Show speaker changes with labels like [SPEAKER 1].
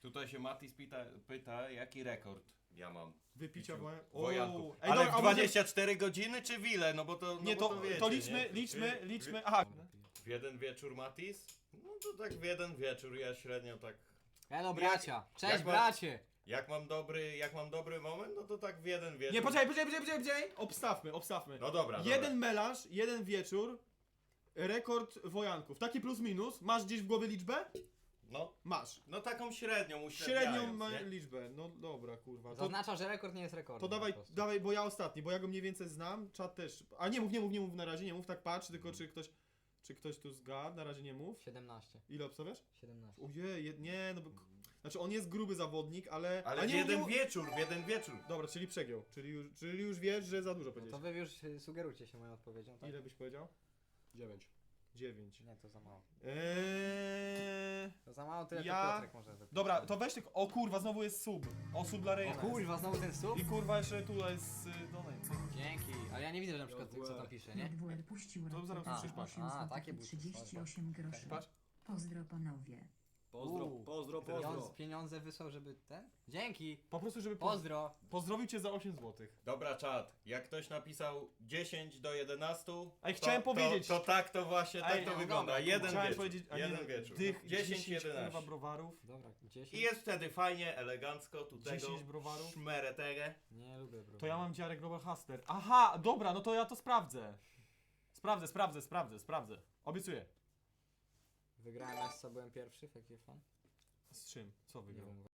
[SPEAKER 1] Tutaj się Matis pyta, jaki rekord ja mam.
[SPEAKER 2] Wypicia
[SPEAKER 1] wojanków.
[SPEAKER 2] Ej,
[SPEAKER 1] Ale
[SPEAKER 2] dobra,
[SPEAKER 1] w 24 godziny czy w ile? No bo to,
[SPEAKER 2] Nie,
[SPEAKER 1] bo
[SPEAKER 2] to,
[SPEAKER 1] wiecie,
[SPEAKER 2] to liczmy,
[SPEAKER 1] nie?
[SPEAKER 2] liczmy. Aha.
[SPEAKER 1] W jeden wieczór Matis? No to tak w jeden wieczór, ja średnio tak...
[SPEAKER 3] Elo bracia, cześć
[SPEAKER 1] jak mam-
[SPEAKER 3] bracie!
[SPEAKER 1] Jak mam dobry moment, no to tak w jeden wieczór.
[SPEAKER 2] Nie, poczekaj. Obstawmy.
[SPEAKER 1] No dobra,
[SPEAKER 2] Jeden melanż, jeden wieczór, rekord wojanków. Taki plus minus. Masz gdzieś w głowie liczbę?
[SPEAKER 1] No,
[SPEAKER 2] Masz.
[SPEAKER 1] no taką średnią
[SPEAKER 2] Średnią
[SPEAKER 1] nie?
[SPEAKER 2] liczbę. No dobra, kurwa. To,
[SPEAKER 3] Zaznacza, że rekord nie jest rekordem.
[SPEAKER 2] to
[SPEAKER 3] po prostu.
[SPEAKER 2] dawaj, bo ja ostatni, bo ja go mniej więcej znam. Czat też. A nie mów na razie, nie mów, tak patrz, tylko czy ktoś tu zgadł, na razie nie mów.
[SPEAKER 3] 17.
[SPEAKER 2] Ile obstawiasz?
[SPEAKER 3] 17.
[SPEAKER 2] Ojej, nie, no bo... Znaczy on jest gruby zawodnik, ale...
[SPEAKER 1] Ale
[SPEAKER 2] a
[SPEAKER 1] w
[SPEAKER 2] nie,
[SPEAKER 1] jeden
[SPEAKER 2] mów-
[SPEAKER 1] wieczór, w jeden wieczór.
[SPEAKER 2] Dobra, czyli przegiął. Czyli już wiesz, że za dużo
[SPEAKER 3] No to
[SPEAKER 2] powiedziałeś.
[SPEAKER 3] wy już sugerujcie się moją odpowiedzią, tak?
[SPEAKER 2] Ile byś powiedział?
[SPEAKER 4] 9.
[SPEAKER 2] 9.
[SPEAKER 3] Nie, to za mało.
[SPEAKER 2] Eee...
[SPEAKER 3] To za mało, tyle
[SPEAKER 2] Ja-
[SPEAKER 3] to Piotrek może wypisać.
[SPEAKER 2] Dobra, to weź tylko... O kurwa, znowu jest sub. O, sub dla
[SPEAKER 3] O
[SPEAKER 2] Reyna.
[SPEAKER 3] kurwa, znowu ten sub?
[SPEAKER 2] I kurwa jeszcze tutaj jest donate.
[SPEAKER 3] Dzięki, ale ja nie widzę, że na przykład co tam pisze, nie?
[SPEAKER 5] WR puścił
[SPEAKER 2] To zaraz
[SPEAKER 5] raport
[SPEAKER 2] usłyszysz, patrz.
[SPEAKER 5] 8
[SPEAKER 3] A,
[SPEAKER 5] złotych
[SPEAKER 3] takie
[SPEAKER 5] i
[SPEAKER 3] buty,
[SPEAKER 5] 38 groszy.
[SPEAKER 2] Patrz.
[SPEAKER 5] Pozdro panowie.
[SPEAKER 4] Pozdro.
[SPEAKER 3] Pieniądze wysłał, żeby ten? Dzięki!
[SPEAKER 2] Po prostu, żeby
[SPEAKER 3] Pozdro!
[SPEAKER 2] pozdrowił cię za 8 zł.
[SPEAKER 1] Dobra, czat. Jak ktoś napisał 10 do 11,
[SPEAKER 2] Ej, chciałem powiedzieć.
[SPEAKER 1] To tak to właśnie, tak
[SPEAKER 2] Ej,
[SPEAKER 1] to
[SPEAKER 2] no
[SPEAKER 1] wygląda.
[SPEAKER 3] dobra,
[SPEAKER 1] Jeden
[SPEAKER 2] Chciałem
[SPEAKER 1] wieczór.
[SPEAKER 2] powiedzieć, a nie,
[SPEAKER 1] jeden wieczór.
[SPEAKER 2] Dych,
[SPEAKER 1] 10,
[SPEAKER 2] kurwa
[SPEAKER 1] 11.
[SPEAKER 2] browarów.
[SPEAKER 3] Dobra, 10?
[SPEAKER 1] I jest wtedy fajnie, elegancko, tu tego
[SPEAKER 2] 10 browarów.
[SPEAKER 1] szmeretege.
[SPEAKER 3] Nie lubię, bro.
[SPEAKER 2] To ja mam dziarę Global Hustler. Aha, dobra, no to ja to sprawdzę. Sprawdzę. Obiecuję.
[SPEAKER 3] Wygrałem Essa, byłem pierwszy w jakiej fan?
[SPEAKER 2] Z czym? Co
[SPEAKER 3] Nie
[SPEAKER 2] wygrał?
[SPEAKER 3] wiem.